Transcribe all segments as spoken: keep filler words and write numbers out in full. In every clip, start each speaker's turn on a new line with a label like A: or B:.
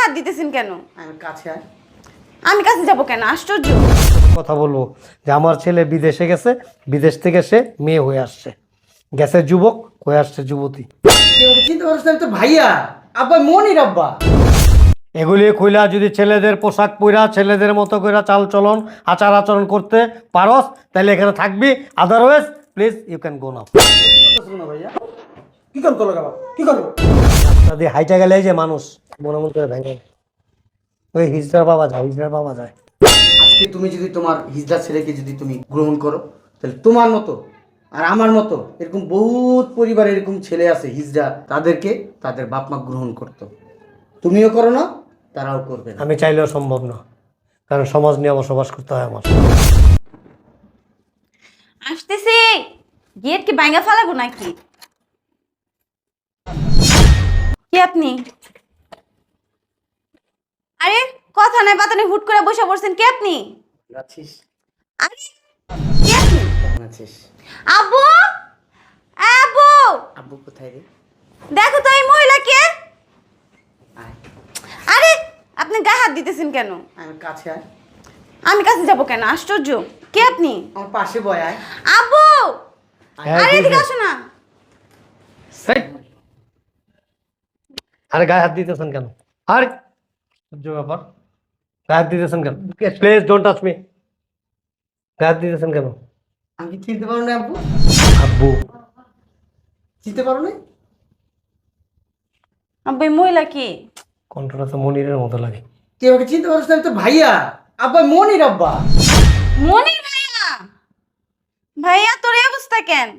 A: হাত দিতেছেন কেন?
B: আমি কাছে আয়।
A: আমি কাছে যাব কেন? আশ্চর্য।
C: কথা বলবো যে আমার ছেলে বিদেশে গেছে, বিদেশ থেকে সে মেয়ে হয়ে আসছে, গেছে যুবক হয়ে আসছে যুবতী।
B: কেউ চিন্তা করছ না, আমি তো ভাইয়া আব্বা মনির আব্বা।
C: এগুলি কইলা যদি ছেলেদের পোশাক পইরা ছেলেদের মতো কইরা চাল চলন আচার আচরণ করতে পারস তাহলে এখানে থাকবি, otherwise please you can go now.
B: না ভাইয়া, কি করবো বাবা, কি করবো?
C: যদি হাইটা গেলে এই যে মানুষ মনে মন করে ভেঙে ওই হিজড়ার বাবা যায়, হিজড়ার বাবা যায়।
B: আজকে তুমি যদি তোমার হিজড়া ছেলেকে যদি তুমি গ্রহণ করো, তাহলে তোমার মতো আর আমার মতো এরকম বহুত পরিবার এরকম ছেলে আছে হিজড়া, তাদেরকে তাদের বাপ মা গ্রহণ করতো। তুমিও করো না, তারাও করবে না।
C: আমি চাইলেও সম্ভব না, কারণ সমাজ নিয়ে বসবাস করতে হয় আমার।
A: আসতেছি। গেট কি ভাঙা ফেলাবো নাকি? কি আপনি? আরে কথা নাই বাতা নেই, হুট করে বসে পড়ছেন। কে আপনি?
B: আছিস?
A: আরে কে আপনি?
B: কেমন আছিস?
A: আব্বু, আব্বু,
B: আব্বু কোথায় রে?
A: দেখো তো এই মহিলা কে?
B: আয়।
A: আরে আপনি গায়ে হাত দিতেছেন কেন?
B: আমি কাছে আয়।
A: আমি কাছে যাব কেন? আশ্চর্য। কে আপনি?
B: আমার পাশে বয় আয়।
A: আব্বু,
C: হ্যাঁ,
A: আরে
C: জি,
A: এদিকে
C: জি।
A: আসো না।
C: হেই! আরে গায়ে হাত দিতেছেন কেন? আরে সহ্য ব্যাপার, গায়ে হাত দিতেছেন কেন? Please don't touch me. গায়ে হাত দিতেছেন কেন?
B: আমি কি চিনতে পারো না আব্বু?
C: আব্বু
B: চিনতে পারো না?
A: আব্বু এই মহিলা কি?
C: কণ্ঠটা তো মনিরের মতো লাগে।
B: কেউ আমাকে চিনতে পারছ না, আমি তো ভাইয়া আব্বা মনির আব্বা।
A: মনির ভাইয়া। ভাইয়া তোর এই অবস্থা কেন?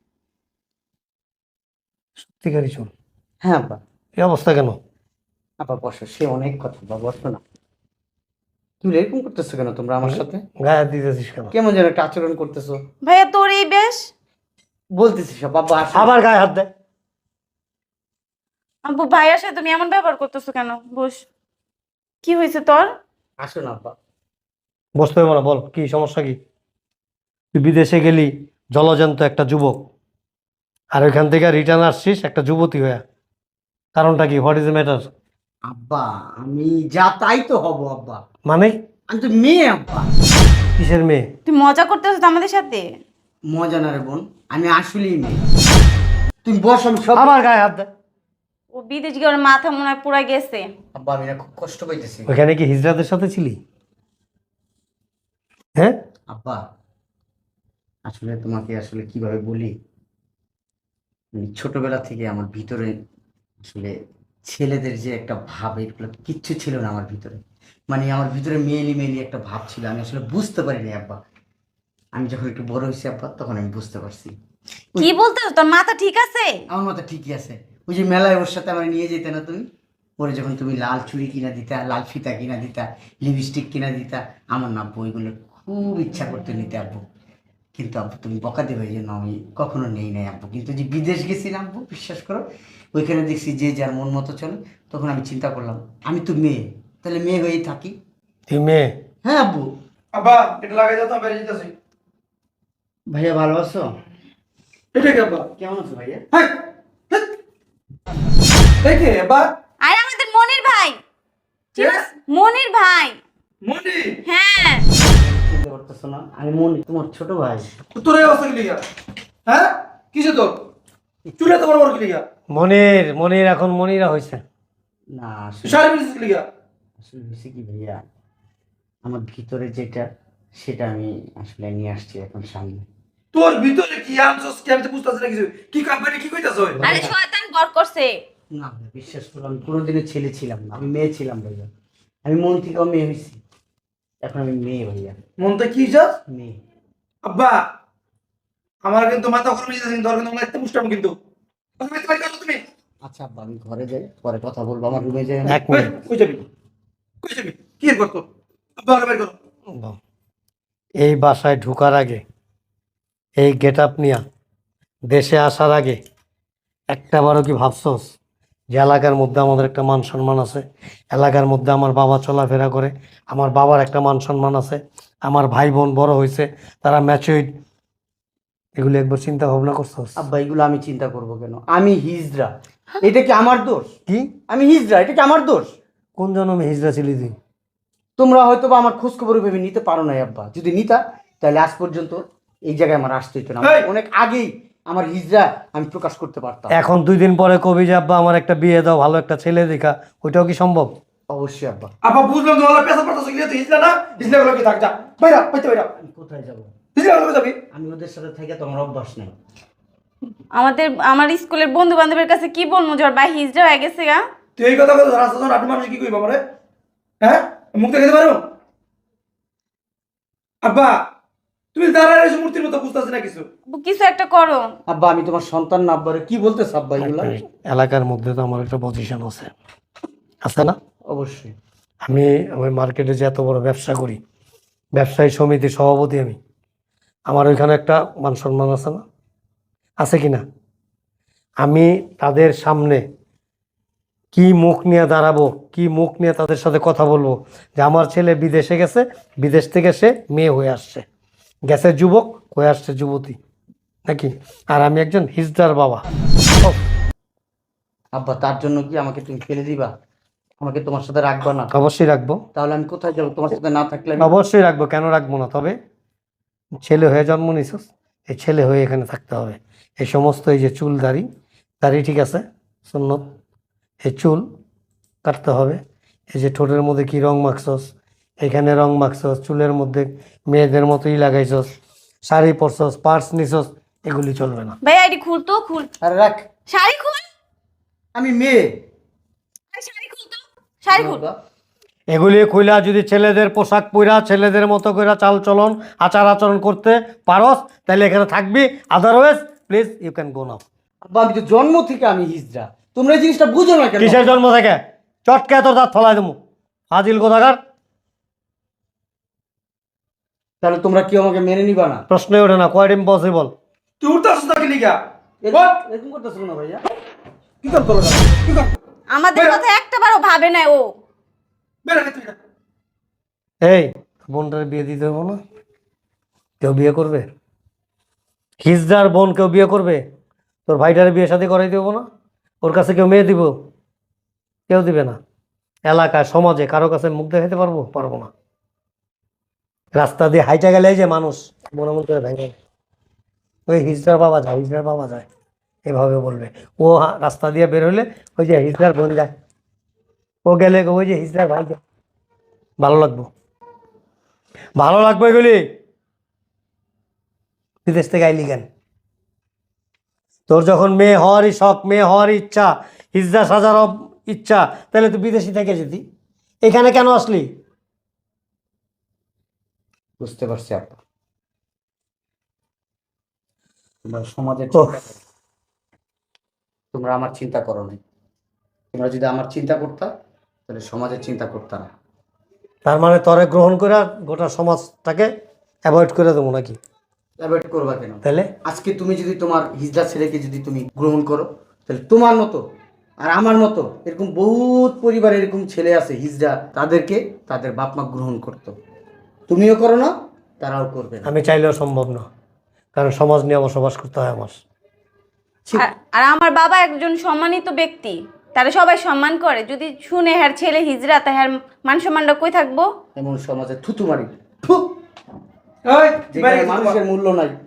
C: সত্যিকারই শুন,
B: হ্যাঁ আব্বা।
C: এই অবস্থা কেন?
B: আব্বা বসো, সে অনেক কথা, আব্বা বসো না। তুমি এরকম করতেছো কেন তোমরা আমার সাথে?
C: গায়ে হাত দিতেছিস কেন?
B: কেমন যেন একটা আচরণ করতেছো।
A: ভাইয়া তোর এই বেশ?
B: বলতেছি সব আব্বা আসো।
C: আবার গায়ে হাত দেয়।
A: আব্বু ভাইয়ার সাথে তুমি এমন ব্যবহার করতেছো কেন? বস। কি হয়েছে তোর?
B: আসো না আব্বা।
C: বসতে হবে না, বল কি সমস্যা কি? তুই বিদেশে গেলি জলজন্ত একটা যুবক, আর ওইখান থেকে রিটার্ন আসছিস একটা যুবতী হয়ে, কারণটা কি? What is matter?
B: আব্বা আমি যা তাই তো হব আব্বা।
C: মানে
B: আমি তো মেয়ে আব্বা।
C: কিসের মেয়ে?
A: তুই মজা করতেছো তো আমাদের সাথে?
B: মজা না রে বোন, আমি আসলেই মেয়ে। তুমি বসো, আমি সব।
C: আবার গায়ে হাত দেয়।
A: ও বিদেশ গিয়ে ওর মাথা মনে হয় পুরা গেছে।
B: আব্বা আমি না খুব কষ্ট পাইতেছি।
C: ওইখানে কি হিজড়াদের সাথে ছিলি? হ্যাঁ
B: আব্বা আসলে তোমাকে আসলে কিভাবে বলি, আমি ছোটবেলা থেকে আমার ভিতরে আসলে ছেলেদের যে একটা ভাব, এগুলো কিচ্ছু ছিল না আমার ভিতরে। মানে আমার ভিতরে মেয়েলি মেয়েলি একটা ভাব ছিল, আমি আসলে বুঝতে পারিনি আব্বা। আমি যখন একটু বড় হয়েছি আব্বা, তখন আমি বুঝতে পারছি।
A: কি বলতেছো? তোর মাথা ঠিক আছে?
B: আমার মাথা ঠিকই আছে। ওই যে মেলায় ওর সাথে আমার নিয়ে যেতে না তুমি, ওরে যখন তুমি লাল চুড়ি কিনা দিতা, লাল ফিতা কিনা দিতা, লিপস্টিক কিনা দিতা, আমার না আব্বু ওইগুলো খুব ইচ্ছা করতে নিতে আব্বু। কিন্তু আব্বু তুমি বকা দেবে, এই জন্য আমি কখনো নেই নাই আব্বু। কিন্তু যে বিদেশ গেছিলাম আব্বু, বিশ্বাস করো, ওইখানে দেখছি যে যার মন মতো চলে, তখন আমি চিন্তা করলাম আমি তো মেয়ে, তাহলে মেয়ে হয়েই থাকি।
C: তুই মেয়ে?
B: হ্যাঁ আব্বু।
D: আব্বা এটা লাগাই দাও তো, বেরিয়ে যেতেছি।
B: ভাইয়া ভালো আছো?
D: এটা কি আব্বা?
B: কেমন আছো ভাইয়া?
D: হ্যাঁ দেখে আব্বা।
A: আরে আমাদের মনির ভাই। ঠিক
D: কে?
A: আছে? মনির ভাই।
D: মনি
A: হ্যাঁ।
B: চিন্তা করতেছো না? আমি মন তোমার ছোট ভাই।
D: তোর এই অবস্থা কি লিগা? হ্যাঁ কিসে তোর চুলে তো বড় বড় কি লিগা?
C: মনির মনির এখন মনিরা হয়েছে।
B: না আসলে
D: শাড়ি পিছিস কি লিগা?
B: আসলে হয়েছে কি ভাইয়া, আমার ভিতরে যেটা সেটা আমি আসলে নিয়ে আসছি এখন সামনে।
D: তোর ভিতরে কি আনছস কি আমি তো বুঝতাছি না কিছু। কি কোম্পানি কি কইতাছ?
A: আরে শয়তান বর করছে।
B: না ভাই, বিশ্বাস করো, আমি কোনোদিনও ছেলে ছিলাম না, আমি মেয়ে ছিলাম ভাইয়া। আমি মন থেকেও মেয়ে হয়েছি, এখন আমি মেয়ে ভাইয়া,
D: মনতে কি যাস?
B: মেয়ে।
D: আব্বা আমার কিন্তু মাথা গরম হয়ে যাচ্ছে, তোর কিন্তু লাগতে মুষ্টাম কিন্তু। কথা বলতে পারি না তুমি?
B: আচ্ছা আব্বা আমি ঘরে যাই, পরে কথা বলবো, আমার রুমে যাই।
C: এক
D: ওই,
C: মিনিট।
D: কই যাবি? কই যাবি? কি এর করতো? আব্বা ওরে বের করো।
C: এই বাসায় ঢোকার আগে, এই গেট আপ নিয়া দেশে আসার আগে একটা বারও কি ভাবছস যে এলাকার মধ্যে আমাদের একটা মান সম্মান আছে? এলাকার মধ্যে আমার বাবা চলাফেরা করে, আমার বাবার একটা মান সম্মান আছে, আমার ভাই বোন বড় হয়েছে, তারা ম্যাচুইড। এগুলো একবার চিন্তা ভাবনা করছস?
B: আব্বা এগুলো আমি চিন্তা করব কেন? আমি হিজড়া, এটা কি আমার দোষ?
C: কি
B: আমি হিজড়া, এটা কি আমার দোষ?
C: কোন জন্মে হিজড়া ছিলি তুই?
B: তোমরা হয়তো বা আমার খোঁজ খবর ভেবে নিতে পারো না আব্বা, যদি নিতা তাহলে আজ পর্যন্ত এই জায়গায় আমার আসতে হতো না।
D: এই!
B: অনেক আগেই আমার হিজড়া আমি প্রকাশ করতে পারতাম।
C: এখন দুই দিন পরে কবি যে আব্বা আমার একটা বিয়ে দাও, ভালো একটা ছেলে দেখা, ওইটাও কি সম্ভব?
B: অবশ্যই আব্বা।
D: আপা বুঝলাম তো হলো পেশা পাঠাচ্ছ কি তুই হিজলা না হিজলা গুলো কি থাক যা বাইরা বাইতে বাইরা
B: আমি কোথায় যাব?
D: হিজলা গুলো যাবি
B: আমি ওদের সাথে থেকে তো আমার অভ্যাস নেই।
A: আমাদের আমার স্কুলের বন্ধু বান্ধবের কাছে কি বলবো যে ওর ভাই হিজড়া হয়ে গেছে গা?
D: তুই এই কথা কথা রাস্তা যখন আপনি মানুষ কি কইবা আমারে হ্যাঁ মুখ দেখাতে পারো আব্বা তুমি দাঁড়ায় রয়েছো মূর্তির মতো বুঝতেছি না কিছু
A: আব্বু, কিছু একটা করো।
B: আব্বা আমি তোমার সন্তান না, আব্বারে কি বলতেছ আব্বা এগুলা?
C: এলাকার মধ্যে তো আমার একটা পজিশন আছে, আছে না?
B: অবশ্যই।
C: আমি ওই মার্কেটে যে এত বড় ব্যবসা করি, ব্যবসায়ী সমিতির সভাপতি আমি, আমার ওইখানে একটা মান সম্মান আছে না? আছে কি না? আমি তাদের সামনে কি মুখ নিয়ে দাঁড়াবো, কি মুখ নিয়ে তাদের সাথে কথা বলবো যে আমার ছেলে বিদেশে গেছে, বিদেশ থেকে সে মেয়ে হয়ে আসছে, গেছে যুবক হয়ে আসছে যুবতী, নাকি? আর আমি একজন হিজড়ার বাবা।
B: আব্বা তার জন্য কি আমাকে তুমি ফেলে দিবা? আমাকে তোমার সাথে রাখবা না?
C: অবশ্যই রাখবো,
B: তাহলে আমি কোথায় যাবো তোমার সাথে না থাকলে? আমি
C: অবশ্যই রাখবো, কেন রাখবো না? তবে ছেলে হয়ে জন্ম নিছিস, এই ছেলে হয়ে এখানে থাকতে হবে। এই সমস্ত এই যে চুল দাড়ি, দাড়ি ঠিক আছে সুন্নত, এই চুল কাটতে হবে। এই যে ঠোঁটের মধ্যে কি রং মাখছস, এখানে রং মাখছস, চুলের মধ্যে মেয়েদের মতোই লাগাইছস, শাড়ি পরছস, পার্স নিছস, এগুলি চলবে না।
A: ভাই আইডি খুল তো, খুল।
B: আরে রাখ,
A: শাড়ি খুল,
B: আমি মেয়ে।
A: ভাই শাড়ি খুল তো, শাড়ি খুল।
B: আব্বা,
C: এগুলি খুইলা যদি ছেলেদের পোশাক পইরা ছেলেদের মতো করে চাল চলন আচার আচরণ করতে পারস, তাহলে এখানে থাকবি, otherwise please you can go now.
B: আব্বা আমি তো জন্ম থেকে আমি হিজড়া, তোমরা এই জিনিসটা বুঝো না কেন?
C: কিসের জন্ম থেকে? চটকে তোর দাঁত ফলাই দেবো, হাজিল কোথাকার।
B: তাহলে তোমরা কি আমাকে মেনে নিবা না?
C: প্রশ্নই ওঠে না, কোয়াইট ইম্পসিবল।
D: তুই উঠতে আসছ নাকি লিগা
B: এরকম- এরকম করতেছো না ভাইয়া?
D: কি কর তোর কি কর
A: আমাদের
D: বেরো।
A: কথা একটা বারও ভাবে না ও।
D: বেরা তুই না
C: এই বোনটার বিয়ে দিতে হবো না? কেউ বিয়ে করবে? হিজদার বোন কেউ বিয়ে করবে? তোর ভাইটার বিয়ে শাদী করাই দেবো না? ওর কাছে কেউ মেয়ে দিব? কেউ দিবে না। এলাকায় সমাজে কারো কাছে মুখ দেখাতে পারবো? পারবো না। রাস্তা দিয়ে হাইটা গেলে এই যে মানুষ মনে মন করে ভেঙে, ওই হিজড়ার বাবা যায়, হিজড়ার বাবা যায়, এভাবে বলবে। ও হা- রাস্তা দিয়ে বের হলে ওই যে হিজড়ার বোন যায়, ও গেলে ওই যে হিজড়ার ভাই যায়। ভালো লাগবো, ভালো লাগবে এগুলি। বিদেশ থেকে আইলি কেন? তোর যখন মেয়ে হওয়ারই শখ, মেয়ে হওয়ারই ইচ্ছা, হিজড়া সাজার ইচ্ছা, তাহলে তুই বিদেশি থেকে যেতি, এখানে কেন আসলি?
B: বুঝতে পারছি আপা, তোমরা সমাজের
C: ওহ।
B: চিন্তা করো। তোমরা আমার চিন্তা করো না। তোমরা যদি আমার চিন্তা করতা তাহলে সমাজের চিন্তা করতা না।
C: তার মানে তরে গ্রহণ করে গোটা সমাজটাকে অ্যাভয়েড করে দেবো নাকি?
B: অ্যাভয়েড করবা কেন?
C: তাহলে
B: আজকে তুমি যদি তোমার হিজড়া ছেলেকে যদি তুমি গ্রহণ করো, তাহলে তোমার মতো আর আমার মতো এরকম বহুত পরিবার এরকম ছেলে আছে হিজড়া, তাদেরকে তাদের বাপ মা গ্রহণ করতো। তুমিও করো না, তারাও করবে না।
C: আমি চাইলেও সম্ভব না, কারণ সমাজ নিয়ে বসবাস করতে হয় আমার।
B: ঠিক।
A: আর- আর আমার বাবা একজন সম্মানিত ব্যক্তি, তারা সবাই সম্মান করে। যদি শুনে হ্যার ছেলে হিজড়া, তা হ্যার মান সম্মানটা কই থাকবো?
B: এমন সমাজে থুতু মারি, থু,
D: এই
B: যেখানে
D: বাইরে গেছিস
B: মানুষের
D: বাবা।
B: মূল্য নাই।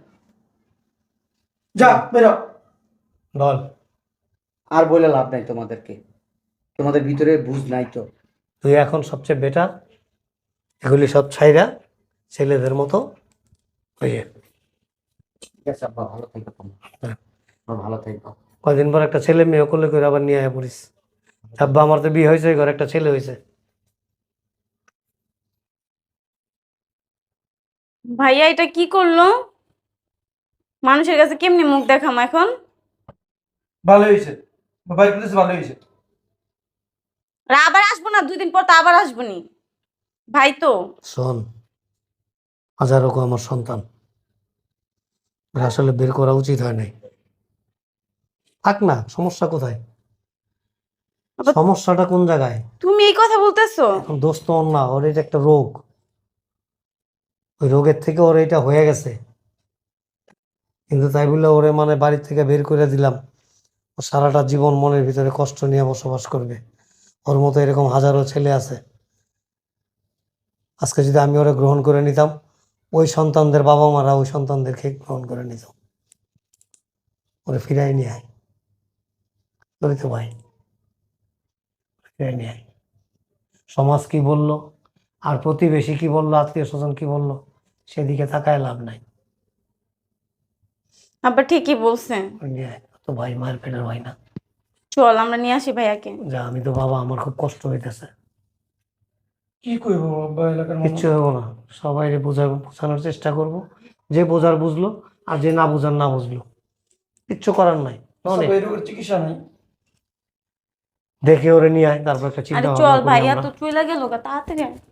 D: যা বেরো
C: বল,
B: আর বলে লাভ নাই তোমাদেরকে, তোমাদের ভিতরে বুঝ নাই তো।
C: তুই এখন সবচেয়ে বেটার এগুলি সব ছাইরা ছেলেদের মতো ওই যে
B: ঠিক আছে আব্বা, ভালো থাকো তোমরা।
C: হ্যাঁ।
B: তোমরা ভালো থাকো।
C: কয়দিন পর একটা ছেলে মেয়ে করলে করে আবার নিয়ে আয় পড়িস। আব্বা আমার তো বিয়ে হয়েছে, ঘরে একটা ছেলে হয়েছে।
A: ভাইয়া এটা কি করলো? মানুষের কাছে কেমনি মুখ দেখাম এখন?
D: ভালো হয়েছে মোবাইল কিনতেছে ভালো হয়েছে
A: আর আবার আসবো না, দুই দিন পর তো আবার আসবো নি। ভাই তো
C: শোন, হাজারো আমার সন্তান, ওরা আসলে বের করা উচিত হয় নাই। থাক না, সমস্যা কোথায়?
A: আবার-
C: সমস্যাটা কোন জায়গায়?
A: তুমি এই কথা বলতেছো?
C: এখন দোষ তো ওর না, ওর এটা একটা রোগ, ওই রোগের থেকে ওর এটা হয়ে গেছে। কিন্তু তাই বলে ওরে মানে বাড়ি থেকে বের করে দিলাম, ও সারাটা জীবন মনের ভিতরে কষ্ট নিয়ে বসবাস করবে। ওর মতো এরকম হাজারো ছেলে আছে। আজকে যদি আমি ওরা গ্রহণ করে নিতাম, ওই সন্তানদের বাবা মারা ওই সন্তানদেরকে গ্রহণ করে নিত। ওরে ফিরাই নিয়ে আয়, বলি তো ভাই, ফিরাই নিয়ে আয়। সমাজ কি বলল, আর প্রতিবেশী কি বললো, আত্মীয় স্বজন কি বললো, সেদিকে তাকায় লাভ নাই।
A: আব্বা ঠিকই বলছেন।
C: ওই নিয়ে আয়। তো ভাই মায়ের পেটের ভাই না।
A: চল আমরা নিয়ে আসি ভাইয়াকে।
C: যা, আমি তো বাবা, আমার খুব কষ্ট হইতেছে।
D: কি করবো আব্বা, এলাকার
C: কিচ্ছু হবো না, সবাই বোঝাবো, বোঝানোর চেষ্টা করব। যে বোঝার বুঝলো, আর যে না বোঝার না বুঝলো, কিচ্ছু করার নাই। অনেক
D: রোগের চিকিৎসা নাই।
C: দেখে ওরে নিয়ে আয়, তারপর একটা চিন্তা
A: আরে
C: ভাবনা
A: চল
C: করি
A: ভাইয়া
C: আমরা।
A: তো চলে গেল গা, তাড়াতাড়ি আয়।